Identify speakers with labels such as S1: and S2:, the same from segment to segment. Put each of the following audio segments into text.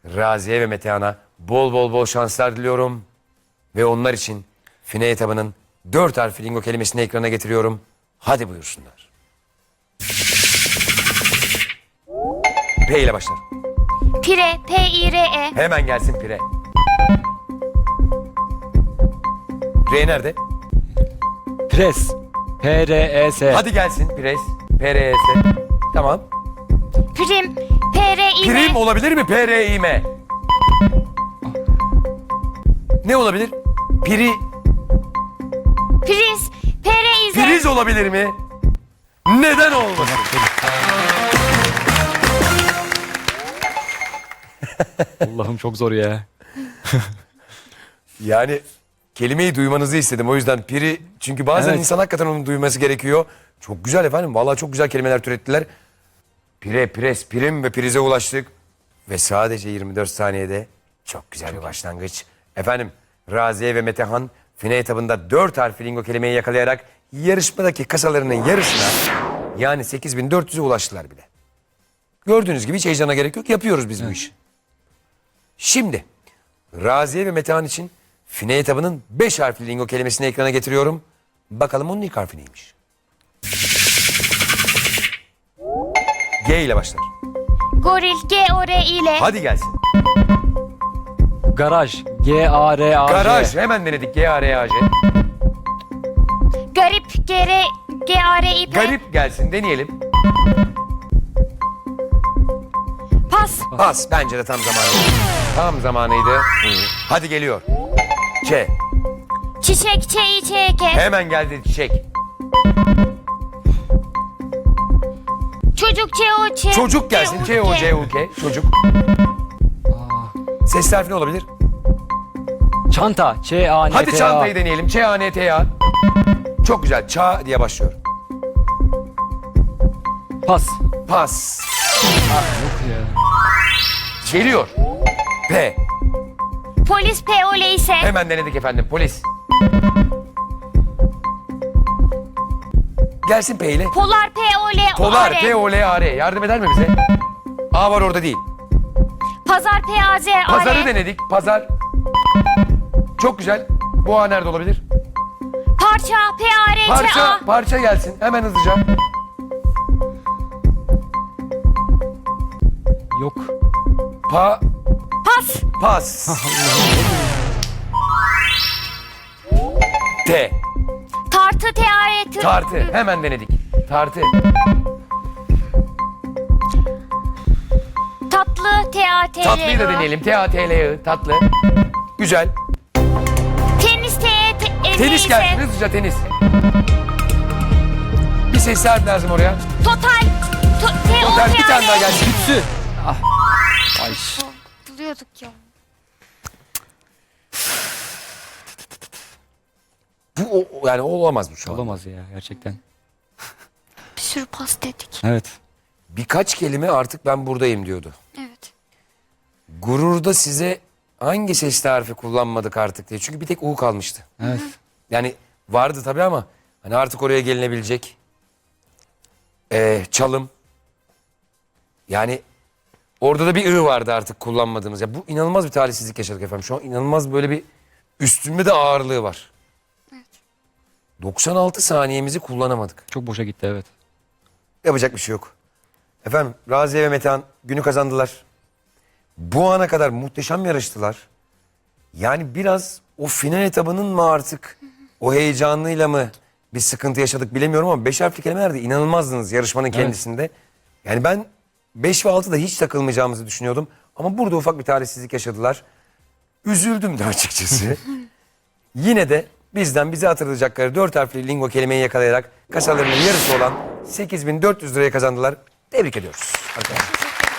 S1: Raziye ve Metehan'a bol şanslar diliyorum. Ve onlar için fine etabının 4 harfli lingo kelimesini ekrana getiriyorum. Hadi buyursunlar. P ile başlar.
S2: Pire, P-I-R-E.
S1: Hemen gelsin pire. R nerede?
S3: Pres. P-R-E-S.
S1: Hadi gelsin pres. P-R-E-S. Tamam.
S2: Prim, P-R-I-M.
S1: Prim olabilir mi? P-R-I-M. Ne olabilir?
S2: Priz, P-R-I-Z.
S1: Priz olabilir mi? Neden olmasın?
S3: Allah'ım çok zor ya.
S1: Yani kelimeyi duymanızı istedim. O yüzden piri, çünkü bazen
S3: Evet.
S1: insan hakikaten onu duyması gerekiyor. Çok güzel efendim. Vallahi çok güzel kelimeler türettiler. Pire, pres, prim ve prize ulaştık. Ve sadece 24 saniyede çok güzel bir başlangıç. Efendim, Raziye ve Metehan fine etabında 4 harfli lingo kelimeyi yakalayarak yarışmadaki kasalarının yarısına, yani 8.400'e ulaştılar bile. Gördüğünüz gibi hiç heyecana gerek yok. Yapıyoruz biz bu işi. Şimdi Raziye ve Metehan için fine etabının 5 harfli lingo kelimesini ekrana getiriyorum. Bakalım onun ilk harfi neymiş? G ile başlar.
S2: Goril, G-O-R-İ-L.
S1: Hadi gelsin.
S3: Garaj. G-A-R-A-J.
S1: Garaj. Hemen denedik. G-A-R-A-J.
S2: Garip, G-R-I-P.
S1: Garip gelsin. Deneyelim.
S2: Pas,
S1: Pas. Bence de tam zamanıydı. Tam zamanıydı. Hadi geliyor. Ç.
S2: çiçek, Ç-İ-Ç-E-K.
S1: Hemen geldi çiçek.
S2: Çocuk, C-O-Ç.
S1: Çocuk gelsin. Ç-O-C-U-K. Çocuk. Ses harfi ne olabilir?
S3: Çanta. Ç-A-N-T-A.
S1: Hadi çantayı deneyelim. Ç-A-N-T-A. Çok güzel. Ça diye başlıyor.
S3: Pas.
S1: Pas.
S3: Yok ya.
S1: Geliyor. P.
S2: Polis, P-O-L-İ-S.
S1: Hemen denedik efendim. Polis. Gelsin P ile.
S2: Polar, P-O-L-A-R.
S1: Polar. P-O-L-A-R. Yardım eder mi bize? A var orada değil.
S2: Pazar, P-A-Z-A-R.
S1: Pazarı denedik. Pazar. Çok güzel. Bu A nerede olabilir?
S2: Parça, P-A-R-Ç-A.
S1: Parça. Parça gelsin. Hemen hızlıca.
S3: Yok.
S1: Pa.
S2: Pas,
S1: Pas. T.
S2: tartı, T-A-R-T.
S1: Tartı. Hemen denedik. Tartı.
S2: Tatlı, T-A-T-L.
S1: Tatlıyı da deneyelim. T-A-T-L-I. Tatlı. Güzel.
S2: Tenis, T-E-T-N-İ-S.
S1: Tenis gelsin. Hızlıca tenis. Bir ses harf lazım oraya.
S2: Total,
S1: Total bir tane daha
S2: T-O-T-A-L.
S1: gelsin.
S3: Tütsü. Ah. Ay.
S2: Buluyorduk ya.
S1: Yani olamaz bu şu an.
S3: Olamaz ya gerçekten.
S2: Bir sürü pas dedik.
S3: Evet.
S1: Birkaç kelime artık ben buradayım diyordu.
S2: Evet.
S1: Gururda size hangi sesli harfi kullanmadık artık diye. Çünkü bir tek U kalmıştı.
S3: Evet.
S1: Yani vardı tabii ama hani artık oraya gelinebilecek. Çalım. Yani orada da bir I vardı artık kullanmadığımız. Ya bu inanılmaz bir talihsizlik yaşadık efendim. Şu an inanılmaz böyle bir üstünde de ağırlığı var.
S2: Evet.
S1: 96 saniyemizi kullanamadık.
S3: Çok boşa gitti evet.
S1: Yapacak bir şey yok. Efendim Raziye ve Metehan günü kazandılar. Bu ana kadar muhteşem yarıştılar. Yani biraz o final etabının mı artık o heyecanıyla mı bir sıkıntı yaşadık bilemiyorum ama 5 harfli kelimelerde inanılmazdınız yarışmanın kendisinde. Yani ben 5 ve 6'da hiç takılmayacağımızı düşünüyordum. Ama burada ufak bir talihsizlik yaşadılar. Üzüldüm de açıkçası. Yine de bizden bize hatırlayacakları 4 harfli lingo kelimeyi yakalayarak kasalarının yarısı olan 8.400 liraya kazandılar. Tebrik ediyoruz arkadaşlar.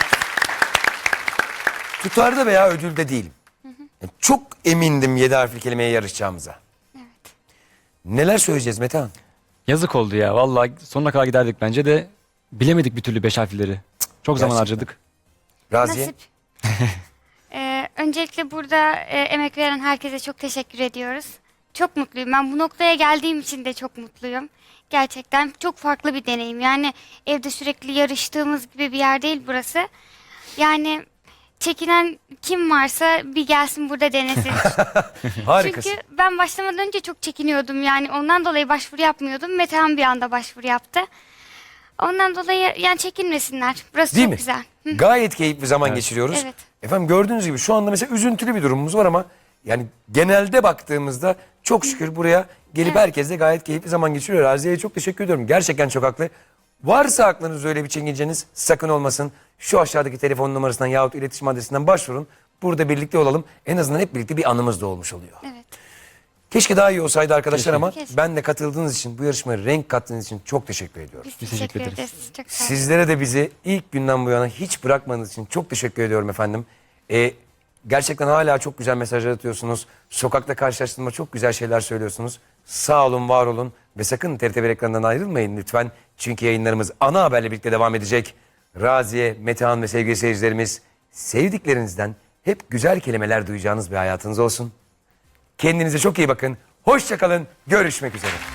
S1: Tutarda veya ödülde değilim. Yani çok emindim 7 harfli kelimeye yarışacağımıza. Neler söyleyeceğiz Metehan?
S3: Yazık oldu ya. Vallahi sonuna kadar giderdik bence de bilemedik bir türlü 5 harfleri. Çok zaman
S1: Gerçekten.
S3: harcadık.
S1: Raziye?
S2: Nasip. Öncelikle burada emek veren herkese çok teşekkür ediyoruz. Çok mutluyum. Ben bu noktaya geldiğim için de çok mutluyum. Gerçekten çok farklı bir deneyim. Yani evde sürekli yarıştığımız gibi bir yer değil burası. Yani çekinen kim varsa bir gelsin burada denesin.
S1: Harikasın.
S2: Çünkü ben başlamadan önce çok çekiniyordum. Yani ondan dolayı başvuru yapmıyordum. Metehan bir anda başvuru yaptı. Ondan dolayı yani çekinmesinler. Burası
S1: Değil
S2: çok
S1: mi?
S2: güzel.
S1: Gayet keyifli zaman geçiriyoruz.
S2: Evet.
S1: Efendim gördüğünüz gibi şu anda mesela üzüntülü bir durumumuz var ama yani genelde baktığımızda çok şükür buraya gelip herkes de gayet keyifli zaman geçiriyor. Raziye'ye çok teşekkür ediyorum. Gerçekten çok haklı. Varsa aklınızda öyle bir çekinceniz sakın olmasın. Şu aşağıdaki telefon numarasından yahut iletişim adresinden başvurun. Burada birlikte olalım. En azından hep birlikte bir anımız da olmuş oluyor.
S2: Evet.
S1: Keşke daha iyi olsaydı arkadaşlar ama
S2: Keşke.
S1: ben de katıldığınız için, bu yarışmaya renk kattığınız için çok teşekkür ediyorum.
S2: Biz
S3: teşekkür
S2: teşekkür
S3: ederiz.
S2: ederiz. Çok sağ olun.
S1: Sizlere de bizi ilk günden bu yana hiç bırakmadığınız için çok teşekkür ediyorum efendim. Gerçekten hala çok güzel mesajlar atıyorsunuz. Sokakta karşılaştığımda çok güzel şeyler söylüyorsunuz. Sağ olun, var olun ve sakın TRT1 ekranından ayrılmayın lütfen. Çünkü yayınlarımız ana haberle birlikte devam edecek. Raziye, Metehan ve sevgili seyircilerimiz, sevdiklerinizden hep güzel kelimeler duyacağınız bir hayatınız olsun. Kendinize çok iyi bakın. Hoşça kalın. Görüşmek üzere.